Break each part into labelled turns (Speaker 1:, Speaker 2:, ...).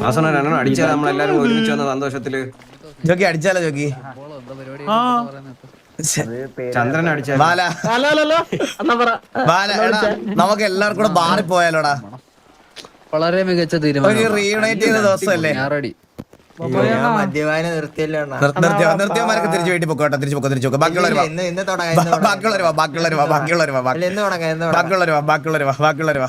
Speaker 1: അടിച്ചാൽ നമ്മളെല്ലാരും ഒരുമിച്ച് വന്ന സന്തോഷത്തില്
Speaker 2: ജോക്കി അടിച്ചാലോ ജോക്കി
Speaker 1: ചന്ദ്രൻ അടിച്ചാൽ
Speaker 2: നമുക്ക് എല്ലാവർക്കും കൂടെ ബാറി പോയാലോടാ.
Speaker 3: വളരെ മികച്ച തീരുമാനം.
Speaker 2: റീയൂണൈറ്റ് ചെയ്ത ദിവസമല്ലേ?
Speaker 4: മദ്യപാനം
Speaker 2: നിർത്തിയവന്മാരൊക്കെ തിരിച്ചു വീട്ടിൽ പൊക്കോട്ടെ. തിരിച്ചു പൊക്കോ. ബാക്കിയുള്ളവർ ബാക്കിയുള്ളവർ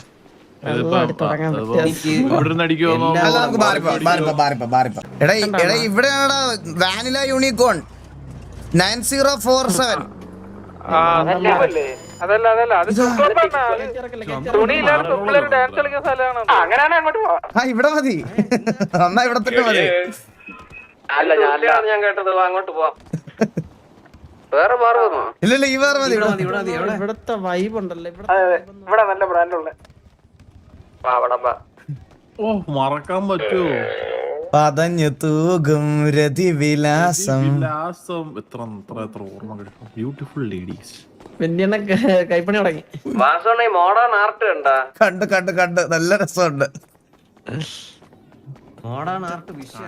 Speaker 2: എടാ ഇവിടെയാണടാ വാനില യൂണിക്കോൺ 9047. ഇവിടെ മതി. എന്നാ ഇവിടെ തന്നെ മതി.
Speaker 1: ഞാൻ കേട്ടത് അങ്ങോട്ട് പോവാം.
Speaker 2: ഇല്ലല്ല ഈ വേറെ മതി.
Speaker 5: ഇവിടത്തെ വൈബ് ഉണ്ടല്ലോ
Speaker 1: ഇവിടെ നല്ല ബ്രാൻഡുള്ള
Speaker 6: മറക്കാൻ പറ്റുമോ?
Speaker 2: പതഞ്ഞു തൂകും രതിവിലാസം.
Speaker 6: എത്ര ഓർമ്മ കിട്ടും. Beautiful ladies.
Speaker 5: കൈപ്പണി തുടങ്ങി.
Speaker 1: മോഡേൺ ആർട്ട്
Speaker 2: കണ്ട് നല്ല രസമുണ്ട്.
Speaker 1: മോഡേൺ ആർട്ട്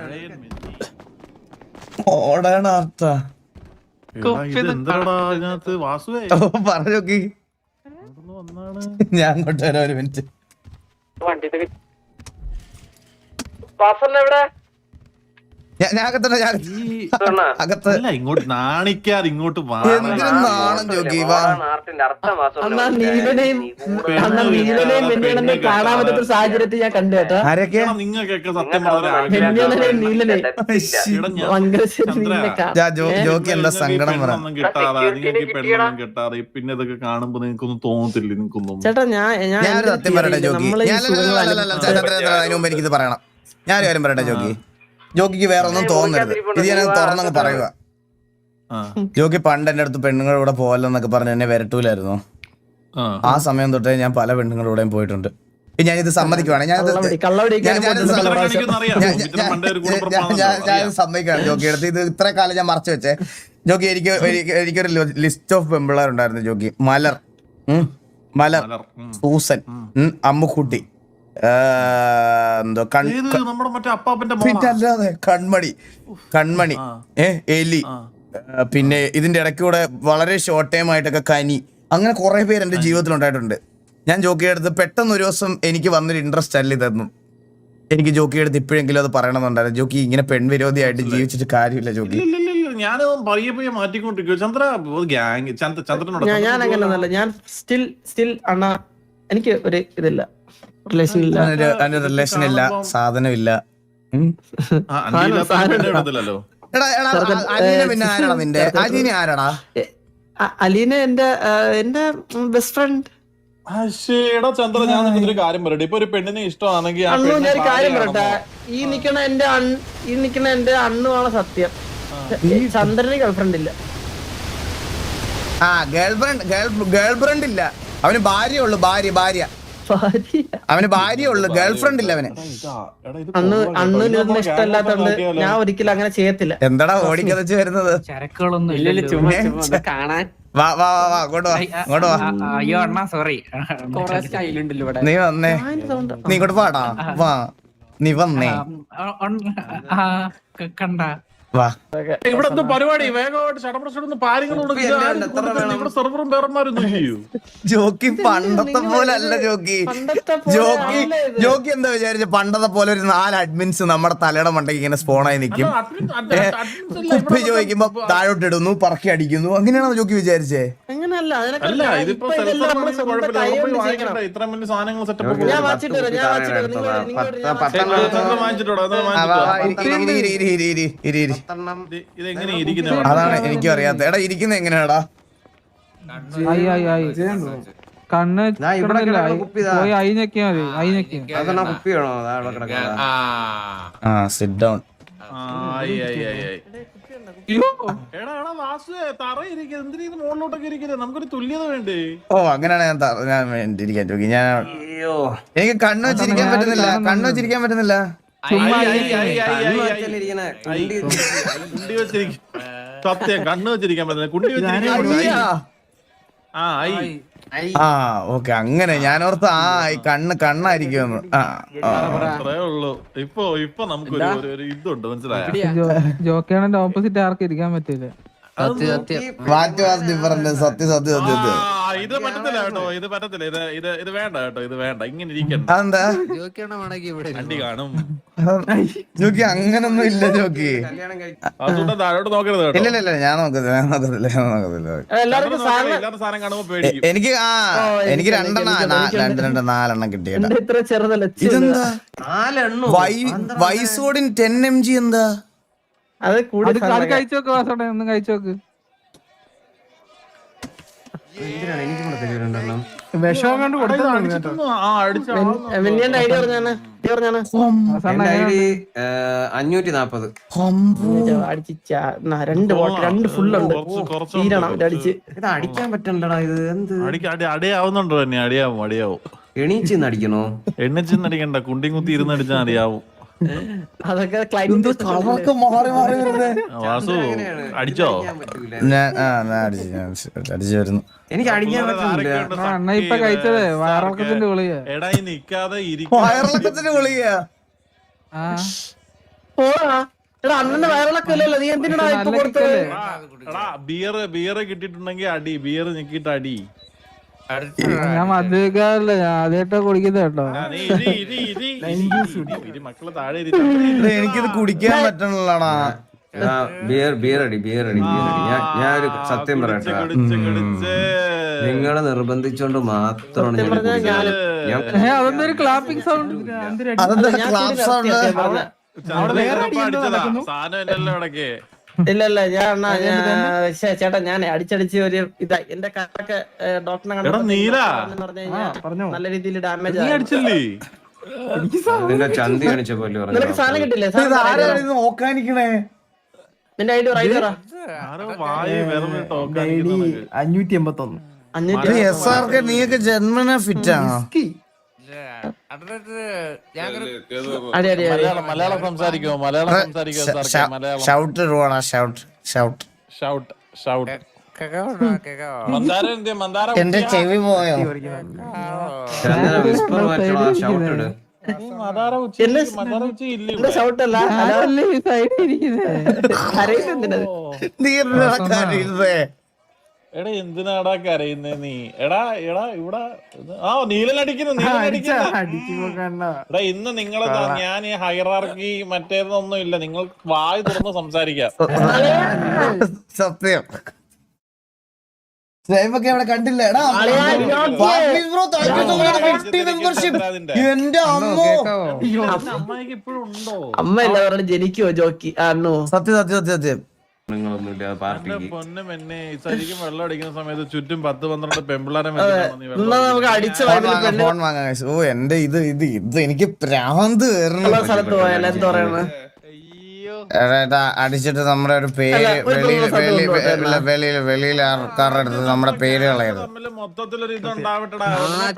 Speaker 2: മോഡേൺ ആർട്ടാ.
Speaker 6: എന്താടാ ഇതിനകത്ത് വാസുവേ
Speaker 2: പറഞ്ഞോക്കി. ഞാൻ അങ്ങോട്ട് വരാം ഒരു മിനിറ്റ്. ഞാൻ അകത്തന്നെ അകത്ത്
Speaker 6: ഇങ്ങോട്ട് നാണിക്കാതെ ഇങ്ങോട്ട്
Speaker 2: നാണം ജോക്കി.
Speaker 5: കാണാൻ പറ്റാത്ത സാഹചര്യത്തിൽ ഞാൻ കണ്ടു കേട്ടോ.
Speaker 6: നിങ്ങൾക്കൊക്കെ സത്യം
Speaker 2: ജോക്കി എന്താ സങ്കടം പറ
Speaker 6: കിട്ടാതെ നിങ്ങൾക്ക് പെണ്ണൊന്നും കിട്ടാതെ പിന്നെ ഇതൊക്കെ കാണുമ്പോ നിങ്ങൾക്കൊന്നും തോന്നത്തില്ല. നിങ്ങൾക്കൊന്നും
Speaker 5: ചേട്ടാ
Speaker 2: ഞാനൊരു സത്യം പറയട്ടെ ജോക്കി. അതിന് മുമ്പ് എനിക്കിത് പറയണം. ഞാനൊരു കാര്യം പറയട്ടെ ജോക്കി. ജോക്കിക്ക് വേറെ ഒന്നും തോന്നരുത്. ഇത് ഞാൻ തുറന്നങ്ങ് പറയുക. ജോക്കി പണ്ട് എന്റെ അടുത്ത് പെണ്ണുങ്ങളുടെ കൂടെ പോകലെന്നൊക്കെ പറഞ്ഞ് എന്നെ വരട്ടൂലായിരുന്നു. ആ സമയം തൊട്ടേ ഞാൻ പല പെണ്ണുങ്ങളുടെ കൂടെയും പോയിട്ടുണ്ട്. ഞാനിത് സമ്മതിക്കുവാണ്. ഞാൻ സമ്മതിക്കുകയാണ് ജോക്കി എടുത്ത്. ഇത് ഇത്ര കാലം ഞാൻ മറച്ചു വെച്ചേ. ജോക്കി എനിക്കൊരു ലിസ്റ്റ് ഓഫ് പെമ്പിള്ളേരുണ്ടായിരുന്നു ജോക്കി. മലർ, സൂസൻ, അമ്മുക്കുട്ടി, അല്ലാതെ കൺമണി, എലി, പിന്നെ ഇതിന്റെ ഇടയ്ക്കൂടെ വളരെ ഷോർട്ട് ടൈം ആയിട്ടൊക്കെ കനി. അങ്ങനെ കുറെ പേര് എന്റെ ജീവിതത്തിൽ ഉണ്ടായിട്ടുണ്ട്. ഞാൻ ജോക്കി എടുത്ത് പെട്ടെന്ന് ഒരു ദിവസം എനിക്ക് വന്നൊരു ഇൻട്രസ്റ്റ് അല്ല ഇതൊന്നും. എനിക്ക് ജോക്കി എടുത്ത് ഇപ്പോഴെങ്കിലും അത് പറയണമെന്നുണ്ടായിരുന്നു. ജോക്കി ഇങ്ങനെ പെൺവിരോധിയായിട്ട് ജീവിച്ചിട്ട് കാര്യമില്ല ജോക്കി.
Speaker 6: ഞാൻ മാറ്റിക്കൊണ്ടിരിക്കും ചന്ദ്ര.
Speaker 5: ഞാൻ അങ്ങനെയൊന്നല്ല. ഞാൻ സ്റ്റിൽ അണ്ണാ എനിക്ക് ഒരു ഇതില്ല,
Speaker 2: റിലേഷൻ ഇല്ല, സാധനമില്ല. പിന്നെ ആരാടാ നിന്റെ അലീന? ആരാടാ
Speaker 5: അലീന? എന്റെ ബെസ്റ്റ് ഫ്രണ്ട്.
Speaker 6: ചന്ദ്ര ഞാൻ ഒരു കാര്യം പറയട്ടെ. ഇപ്പൊ ഒരു പെണ്ണിനെ ഇഷ്ടമാണെങ്കിൽ
Speaker 5: ഞാൻ കാര്യം പറയട്ടെ. ഈ നിക്കണ എന്റെ അണ്ണുമാണ് സത്യം. ചന്ദ്രന് ഗേൾഫ്രണ്ട് ഇല്ല.
Speaker 2: ഗേൾഫ്രണ്ട് ഇല്ല. അവന് ഭാര്യ ഉള്ളു. ഭാര്യ അവന് ഭാര്യ ഉള്ളു. ഗേൾഫ്രണ്ട് ഇല്ല അവന്.
Speaker 5: അണ്ണുന് ഇഷ്ടമല്ലാത്തോണ്ട് ഞാൻ ഒരിക്കലും അങ്ങനെ ചെയ്യത്തില്ല.
Speaker 2: എന്താടാ ഓടിക്കതച്ച് വരുന്നത്? വാ അങ്ങോട്ട് വാ.
Speaker 7: അയ്യോ അണ്ണാ സോറി.
Speaker 2: നീ വന്നേ. നീ ഇങ്ങോട്ട് പാടാ. വാ നീ വന്നേ.
Speaker 7: കണ്ട
Speaker 2: വാ.
Speaker 6: ഇവിടെ എന്തോ പരിപാടി? വേഗമായിട്ട് സെർവറും പേരന്മാരൊന്നും ചെയ്യൂ.
Speaker 2: ജോക്കി പണ്ടത്തെ പോലെ അല്ല ജോക്കി. ജോക്കി എന്താ വിചാരിച്ച പണ്ടത്തെ പോലെ ഒരു 4 അഡ്മിൻസ് നമ്മുടെ തലയുടെ മണ്ടയ്ക്ക് ഇങ്ങനെ സ്പോണായി നിൽക്കും. കുപ്പി ചോദിക്കുമ്പോ താഴോട്ട് ഇടുന്നു, പറക്കി അടിക്കുന്നു. അങ്ങനെയാണോ ജോക്കി വിചാരിച്ചേ? അതാണ് എനിക്കും അറിയാത്ത. എടാ ഇരിക്കുന്ന എങ്ങനെയാടാ?
Speaker 7: കണ്ണ്
Speaker 2: സിറ്റ് ഡൗൺ.
Speaker 6: നമുക്കൊരു തുല്യത വേണ്ടേ?
Speaker 2: ഓ അങ്ങനെയാണ് ഞാൻ ഇരിക്കാൻ ചോദിക്കും. എനിക്ക് കണ്ണു വെച്ചിരിക്കാൻ പറ്റുന്നില്ല.
Speaker 6: സത്യം കണ്ണു വെച്ചിരിക്കാൻ പറ്റുന്നില്ല. കുണ്ടി വെച്ചിരിക്കാൻ. ആ ആയി.
Speaker 2: ആ ഓക്കെ അങ്ങനെ ഞാനോർത്ത് ഈ കണ്ണായിരിക്കുമെന്ന്.
Speaker 6: അത്രേ ഉള്ളൂ. ഇപ്പൊ നമുക്കൊരു ഒരു ഇതുണ്ട്, മനസ്സിലായോ?
Speaker 7: ജോക്കിയാണെങ്കിൽ ഓപ്പോസിറ്റ് ആർക്കും ഇരിക്കാൻ പറ്റില്ല.
Speaker 2: സത്യം.
Speaker 6: ഇത് പറ്റത്തില്ല കേട്ടോ, ഇത് പറ്റത്തില്ല. ഇത് വേണ്ട കേട്ടോ, ഇത് വേണ്ട. ഇങ്ങനെ ഇരിക്കണ്ട.
Speaker 2: അതെന്താ
Speaker 6: അണ്ടി കാണും.
Speaker 2: ജോക്കി അങ്ങനൊന്നും ഇല്ല ജോക്കി.
Speaker 6: അതുകൊണ്ട് താഴോട്ട് നോക്കരുത് കേട്ടോ.
Speaker 2: ഇല്ല ഞാൻ നോക്കത്തില്ല.
Speaker 5: എല്ലാവർക്കും സാധനം
Speaker 6: ഇല്ലാത്ത സാധനം കാണുമ്പോ പേടിക്കും.
Speaker 2: എനിക്ക് 2 4 കിട്ടിയേട്ടാ.
Speaker 5: ഇത്ര ചെറുതല്ല.
Speaker 2: ഇതെന്താ
Speaker 1: 4
Speaker 2: വൈസോഡിൻ 10 mg എന്താ?
Speaker 5: അത് കൂടി
Speaker 7: അത് കഴിച്ചോക്ക് വാസോട്ടെ, ഒന്നും കഴിച്ചോക്ക്.
Speaker 1: എന്തിനാണ് എനിക്ക് കൂടെ തരുന്നുണ്ടെണ്ണം?
Speaker 7: വിഷം കൊണ്ട് കൊടുത്തു.
Speaker 5: മിന്നിയുടെ ഐഡിയ പറഞ്ഞാണ്.
Speaker 1: എന്റെ ഐഡി 540.
Speaker 5: രണ്ട് ഫുള്ളുണ്ട്. തീരണം അടിച്ച്.
Speaker 1: ഇത് അടിക്കാൻ പറ്റണ്ടടാ. ഇത് എന്ത്
Speaker 6: അടിയാവുന്നുണ്ടോ തന്നെ? അടിയാവും.
Speaker 1: എണീച്ചിന്ന് അടിക്കണോ?
Speaker 6: എണ്ണിച്ചെന്ന് അടിക്കണ്ട, കുണ്ടി കുത്തി ഇരുന്ന് അടിച്ചാൽ അടിയാവും.
Speaker 5: അതൊക്കെ
Speaker 6: വാസു അടിച്ചോ?
Speaker 2: അടിച്ചു വരുന്നു.
Speaker 1: എനിക്ക് അടിക്കാൻ പറ്റില്ല.
Speaker 7: അണ്ണ ഇപ്പൊ കഴിച്ചതേ വയറിളക്കത്തിന്റെ ഗുളിക.
Speaker 6: എടാ ഈ നിക്കാതെ
Speaker 2: വയറിളക്കത്തിന് ഗുളിക.
Speaker 5: അണ്ണന്റെ വയറിളക്കം ഇല്ലല്ലോ, നീ എന്തിനാ ഇപ്പൊ കൊടുത്തത്?
Speaker 6: ബിയർ കിട്ടിയിട്ടുണ്ടെങ്കിൽ അടി, ബിയർ ഞെക്കിട്ട് അടി.
Speaker 7: ഞാൻ മദ്യപിക്കാറില്ല, ഞാൻ ആദ്യമായിട്ടാ കുടിക്കുന്നത് കേട്ടോ.
Speaker 6: മക്കള് താഴെ
Speaker 2: എനിക്കിത് കുടിക്കാൻ പറ്റണല്ലോടാ.
Speaker 1: ബിയർ അടി. ഞാനൊരു സത്യം പറയട്ടെ, നിങ്ങളെ നിർബന്ധിച്ചോണ്ട് മാത്രമാണ്
Speaker 7: അതൊന്നും ഒരു ക്ലാപ്പിംഗ് സൗണ്ട്.
Speaker 2: അതെന്താ ക്ലാപ്പ് സൗണ്ട്?
Speaker 5: ഇല്ല ചേട്ടാ, ഞാൻ അടിച്ചടിച്ച് ഒരു ഇതാ എന്റെ കാലൊക്കെ ഡോക്ടറെ നല്ല രീതിയിൽ ഡാമേജ്.
Speaker 1: നിന്റെ ചന്തി കാണിച്ച പോലെ
Speaker 5: നിനക്ക് സാധനം കിട്ടില്ലേ?
Speaker 2: നോക്കാനിക്കണേ.
Speaker 5: നിന്റെ ഐഡി ഐഡി
Speaker 7: 581.
Speaker 2: നീയൊക്കെ ജന്മന ഫിറ്റാണോ?
Speaker 6: മലയാളം സംസാരിക്കോ?
Speaker 2: ഷൗട്ട് റോണാ, ഷൗട്ട്. എന്റെ ചെവി പോയോ?
Speaker 5: ഷൗട്ടല്ല
Speaker 6: എടാ എന്തിനാടാ കരയുന്നേ നീ? എടാ ഇവിടെ നീലടിക്കുന്നു. എടാ ഇന്ന് നിങ്ങളെ ഞാൻ ഈ ഹൈറാർക്കി മറ്റേതൊന്നും ഇല്ല, നിങ്ങൾ വായി തുറന്ന് സംസാരിക്കാം.
Speaker 2: സത്യം. ഒക്കെ അവിടെ കണ്ടില്ല. എന്റെ
Speaker 6: അമ്മയ്ക്ക് ഇപ്പോഴും ഉണ്ടോ?
Speaker 5: അമ്മ എല്ലാവരോടും ജനിക്കുവോ ജോക്കി?
Speaker 2: സത്യം.
Speaker 6: പൊന്നും എന്നെ ശരിക്കും വെള്ളം അടിക്കുന്ന സമയത്ത് ചുറ്റും 10-12 പെമ്പിള്ളാരെ
Speaker 5: നമുക്ക് അടിച്ച
Speaker 2: ഫോൺ വാങ്ങാൻ. ഓ എന്റെ ഇത് എനിക്ക് പ്രാന്ത്
Speaker 5: സ്ഥലത്ത് പോയാൽ എന്താ പറയണ?
Speaker 2: അടിച്ചിട്ട് നമ്മുടെ ഒരു പേര് വെളിയിൽ ആൾക്കാരുടെ അടുത്ത് നമ്മുടെ പേര് കളയരുത്.
Speaker 6: മൊത്തത്തിലൊരു ഇതുണ്ടാവട്ടെടാ.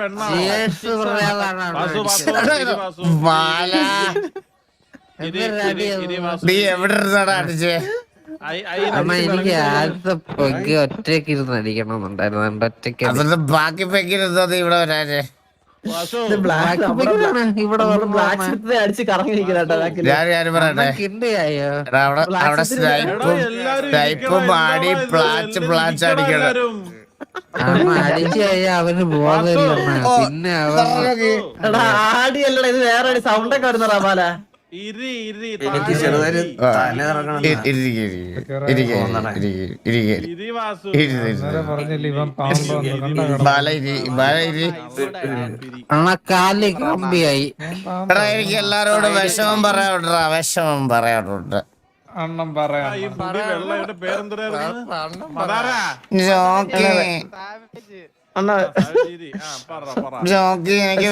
Speaker 2: നീ എവിടെ ഇരുന്നാടാ അടിച്ചേ?
Speaker 3: എനിക്ക് ആദ്യത്തെ പൊക്കി ഒറ്റയ്ക്ക് ഇരുന്ന് അടിക്കണമെന്നുണ്ടായിരുന്നു. ഒറ്റയ്ക്ക്
Speaker 2: അതിന്റെ ബാക്കി പെക്കിരുന്നത് ഇവിടെ വരാനേ.
Speaker 5: അടിച്ച് കറങ്ങിയിരിക്കട്ടോ.
Speaker 2: ഞാൻ പറയട്ടെ, അവിടെ സ്നൈപ്പും ആടി പ്ലാച്ച് അടിക്കണം.
Speaker 3: അടിച്ചു കഴിഞ്ഞാൽ അവന് ബോധമില്ല. പിന്നെ
Speaker 5: ആടിയല്ലടാ, ഇത് വേറെ സൗണ്ട് ഒക്കെ വരുന്നടാ പാല.
Speaker 1: എനിക്ക് ചെറുതായി
Speaker 3: കാലി കമ്പിയായി.
Speaker 2: എനിക്ക് എല്ലാരോടും വിഷമം പറയാറുണ്ട്.
Speaker 7: അണ്ണം പറയാം.
Speaker 2: ജോക്കി എനിക്ക്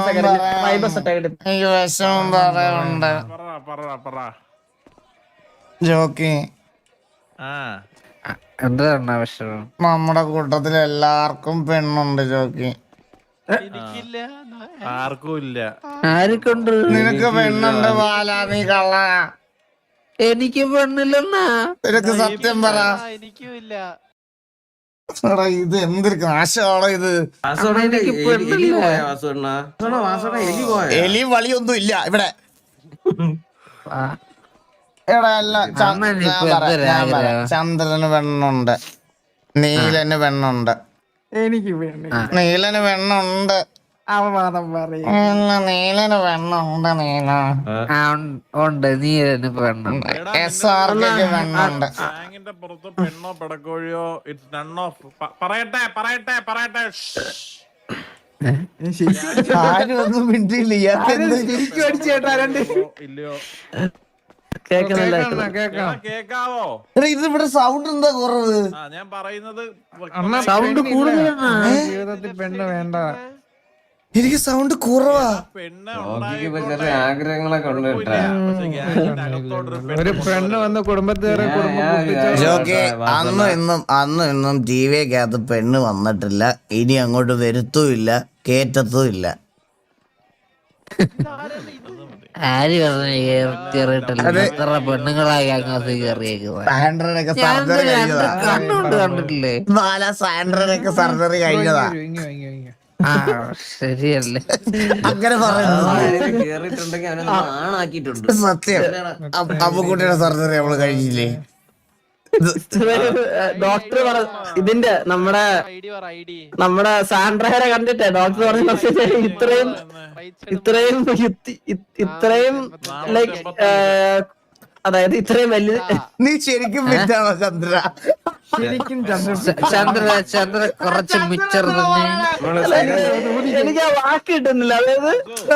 Speaker 2: വിഷമം പറയാറുണ്ട്. ജോക്കി
Speaker 3: എന്താണ് വിഷമം?
Speaker 2: നമ്മുടെ കൂട്ടത്തിൽ എല്ലാവർക്കും പെണ്ണുണ്ട് ജോക്കി.
Speaker 6: ആർക്കും ഇല്ല.
Speaker 3: ആർക്കുണ്ട്?
Speaker 2: നിനക്ക് പെണ്ണുണ്ട് ബാല, നീ കള്ള.
Speaker 3: എനിക്ക് പെണ്ണില്ലെന്നാ?
Speaker 2: നിനക്ക് സത്യം പറ.
Speaker 4: എനിക്കും ഇല്ല.
Speaker 2: എടാ, ഇത് എന്തൊരു നാശമാണോ ഇത്?
Speaker 1: വാസുണ്ണന്റെ എലി പോയ വാസുണ്ണ എലി പോയ
Speaker 2: എലി വളിയൊന്നും ഇല്ല ഇവിടെ. എടാ അല്ല, ചന്ദ്രന് വെണ്ണുണ്ട്, നീലന് വെണ്ണുണ്ട്,
Speaker 7: എനിക്ക് വേണ്ടി
Speaker 2: നീലന് വെണ്ണുണ്ട്,
Speaker 7: അവവാദം പറയും.
Speaker 2: നീലന് വെണ്ണുണ്ട്, നീല
Speaker 3: ഉണ്ട് നീ തന്നെ പെണ്ണം
Speaker 2: SRK വെണ്ണുണ്ട്.
Speaker 6: ടാങ്കിന്റെ പുറത്ത് പെണ്ണോ പെടക്കോഴിയോ ഇറ്റ്സ് നൺ ഓഫ്. പറയട്ടെ പറയട്ടെ പറയട്ടെ.
Speaker 2: ആരും ഒന്നും മിണ്ടിയില്ല. ഇയാൾക്ക് എന്ത്?
Speaker 6: ഇല്ലയോ
Speaker 5: കേക്കുന്നില്ല.
Speaker 6: എടാ, കേക്കാവോ?
Speaker 2: എടാ, ഇത് ഇവിടെ സൗണ്ട് എന്താ കുറവ്?
Speaker 6: ഞാൻ പറയുന്നത്
Speaker 3: സൗണ്ട് കൂടുതലാണ്.
Speaker 7: ജീവിതത്തിൽ പെണ്ണ് വേണ്ട.
Speaker 2: എനിക്ക് സൗണ്ട് കുറവാ.
Speaker 6: പെണ്ണ്
Speaker 1: നോക്കിക്ക് ചെറിയ ആഗ്രഹങ്ങളൊക്കെ ഉണ്ട് കേട്ടാ.
Speaker 7: ഒരു പെണ്ണ് വന്ന് കുടുംബത്തേറെ കുടുംബം പൊട്ടിച്ച്
Speaker 2: ജോക്കി, അന്നും ഇന്നും ടിവിക്കകത്ത് പെണ്ണ് വന്നിട്ടില്ല, ഇനി അങ്ങോട്ട് വരുത്തുമില്ല, കേറ്റത്തുമില്ല.
Speaker 3: ആര് പറഞ്ഞു കേറിയിട്ടില്ല? എത്ര പെണ്ണുങ്ങളായി അങ്ങോട്ട് കയറിയേക്കുന്നത്?
Speaker 2: സാൻഡ്രനൊക്കെ സർജറി കഴിഞ്ഞതാ.
Speaker 3: കണ്ണുകൊണ്ട് കണ്ടിട്ടില്ലേ?
Speaker 2: സാൻഡ്രനൊക്കെ സർജറി കഴിഞ്ഞതാ.
Speaker 3: ആ ശരിയല്ലേ?
Speaker 2: അങ്ങനെ പറയുന്നത്
Speaker 1: കേറിയിട്ടുണ്ടെങ്കിൽ അവനെ ആണാക്കിയിട്ടുണ്ട്.
Speaker 2: സത്യം. അമ്മുക്കുട്ടിയുടെ സർജറി നമ്മള് കഴിഞ്ഞില്ലേ?
Speaker 5: ഡോക്ടർ ഇതിന്റെ നമ്മുടെ സാൻഡ്രയെ കണ്ടിട്ടേ ഡോക്ടർ പറഞ്ഞ ഇത്രയും ലൈക്ക് അതായത് ഇത്രയും വലിയ.
Speaker 2: നീ ശരിക്കും വിറ്റാണോ ചന്ദ്ര?
Speaker 7: ശരിക്കും
Speaker 3: ചന്ദ്ര കുറച്ച് മിച്ചർ തന്നെ.
Speaker 5: എനിക്ക് ആ വാക്ക് കിട്ടുന്നില്ല. അതായത്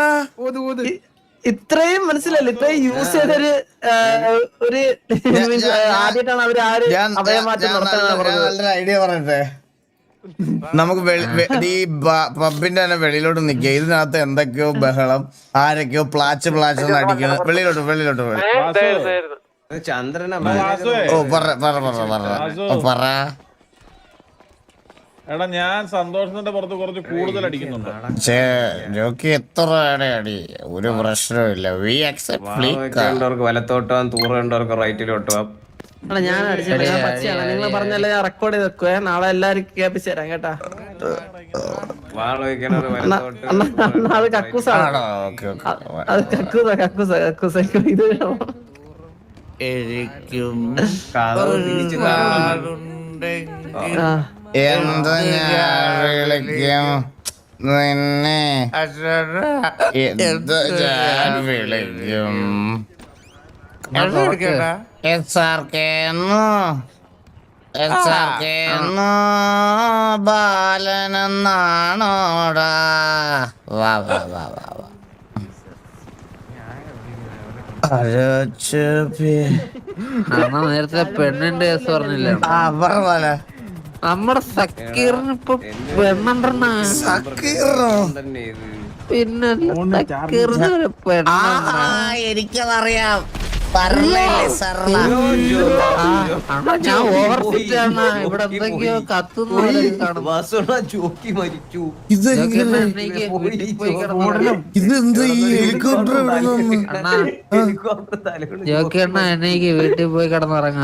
Speaker 5: ഇത്രയും മനസ്സിലല്ല, ഇത്രയും യൂസ് ചെയ്തൊരു ആദ്യമായിട്ടാണ് അവര് അവയമാറ്റം നടത്താൻ.
Speaker 2: നല്ലൊരു ഐഡിയ പറയട്ടെ. നമുക്ക് ഈ പബ്ബിന്റെ തന്നെ വെളിയിലോട്ട് നിക്കുക. ഇതിനകത്ത് എന്തൊക്കെയോ ബഹളം, ആരൊക്കെയോ പ്ലാച്ച് അടിക്കണം. വെളിയിലോട്ട്
Speaker 1: ചന്ദ്രനെ
Speaker 2: ഓ പറ.
Speaker 6: എടാ, ഞാൻ സന്തോഷത്തിന്റെ പുറത്ത് കുറച്ച് കൂടുതൽ അടിക്കുന്നുണ്ട്.
Speaker 2: ജോക്കി എത്ര അടി ഒരു പ്രശ്നമില്ല. V accept.
Speaker 1: വലത്തോട്ടാം, തൂറേണ്ടവർക്ക് റൈറ്റിലോട്ട് പോവാം.
Speaker 5: ഞാൻ അടിച്ചിട്ട് ഞാൻ പച്ചയാണ്. നിങ്ങൾ പറഞ്ഞല്ലേ ഞാൻ റെക്കോർഡ് ചെയ്ത് വെക്കുവേ. നാളെ എല്ലാരും കേൾപ്പിച്ചു തരാം കേട്ടാ.
Speaker 1: വാള വയ്ക്കണത് വലത്തോട്ട്.
Speaker 5: അത് കക്കൂസാണ്. അത് കക്കൂസ ഇത്
Speaker 1: കഥവ് തിരിച്ചു
Speaker 2: എന്താ ഞാൻ വിളിക്കും നിന്നെ? എന്ത് ഞാൻ വിളിക്കും? SRK ബാലനെന്നാണോടാ? വാ
Speaker 3: നേരത്തെ പെണ്ണിന്റെ കേസ് പറഞ്ഞില്ല? നമ്മുടെ സക്കീറിന് ഇപ്പൊ പെണ്ണെണ്ണ.
Speaker 1: തന്നെ ഇത്.
Speaker 3: പിന്നെ സക്കീറിന് ഒരു പെണ്ണെണ്ണ.
Speaker 2: എനിക്കതറിയാം.
Speaker 3: ഞാൻ ഓവർ ഫിറ്റ് ആണ്. ഇവിടെ എന്തൊക്കെയോ കത്തുന്ന
Speaker 1: വാസുണ്ണ ജോക്കി മരിച്ചു.
Speaker 2: ഇതെന്ത് ഈ ഹെലികോപ്റ്റർ
Speaker 1: ഹെലികോപ്റ്റർ തലകൊണ്ട്
Speaker 3: ജോക്കി എണ്ണ എനിക്ക് വീട്ടിൽ പോയി കിടന്നുറങ്ങാം.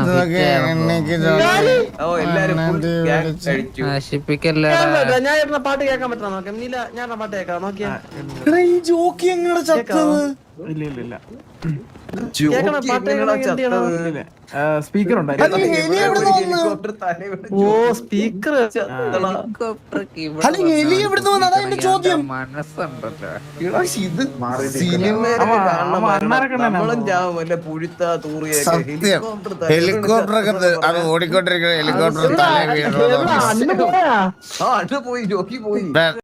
Speaker 1: എല്ലാരും full gang അടിച്ചു.
Speaker 3: നശിപ്പിക്കല്ലേടാ.
Speaker 5: ഞാൻ ഇരുന്ന പാട്ട് കേൾക്കാൻ പറ്റാ നോക്കാം. നീല ഞാൻ പാട്ട് കേൾക്കാം. നോക്കിയാ
Speaker 2: ഈ ജോക്കി എങ്ങനെ ചത്തത്?
Speaker 7: ഇല്ല
Speaker 5: കേൾക്കണം. പാട്ട്
Speaker 7: സ്പീക്കർ
Speaker 1: ഹെലികോപ്റ്റർ തലയോട്
Speaker 5: ഓ സ്പീക്കർ
Speaker 2: അല്ലെങ്കിൽ എലി എവിടുന്ന് വന്നു? അതാ എന്റെ ചോദ്യം.
Speaker 3: മനസ്സുണ്ടല്ലോ.
Speaker 1: ഇത് സിനിമയിൽ നമ്മളും ചാവും. വല്ല പുഴുത്ത തൂറിയൊക്കെ
Speaker 2: സത്യം. ഹെലികോപ്റ്റർ ഒക്കെ അത് ഓടിക്കൊണ്ടിരിക്കുന്ന ഹെലികോപ്റ്റർ തല വീണു.
Speaker 5: അന്ന് പോയാ
Speaker 1: ആ അണ്ണ പോയി, ജോക്കി പോയി.